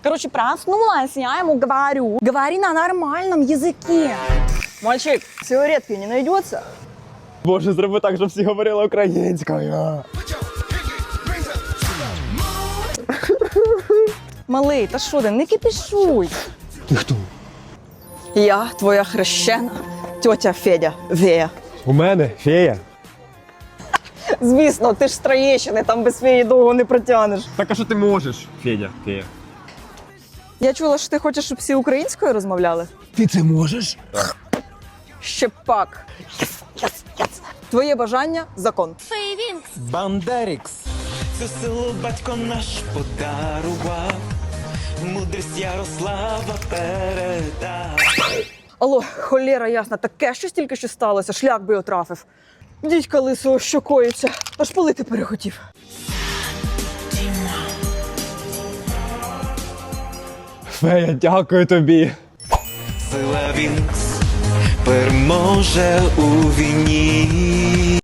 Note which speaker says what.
Speaker 1: Короче, проснулась, я ему говорю, говори на нормальном языке. Мальчик, сигаретки не найдется?
Speaker 2: Боже, зроби так, щоб всі говорили українською.
Speaker 1: Малий, та що ти, не кипішуй.
Speaker 2: Ти хто?
Speaker 1: Я твоя хрещена тьотя Федя Вея.
Speaker 2: У мене фея.
Speaker 1: Звісно, ти ж з Троєщини, там без феї довго не протягнеш.
Speaker 2: Так а що ти можеш? Федя, фея.
Speaker 1: Я чула, що ти хочеш, щоб всі українською розмовляли?
Speaker 2: Ти це можеш?
Speaker 1: Ще пак. Твоє бажання – закон.
Speaker 3: Бандерікс. Це село батько наш подарував, мудрість Ярослава передав.
Speaker 1: Алло, холєра ясна, таке щось тільки що сталося, шлях би отрафив. Дідька лисого що коїться, аж палити перехотів.
Speaker 2: Фея, дякую тобі.
Speaker 3: Сила Вінкс переможе у війні.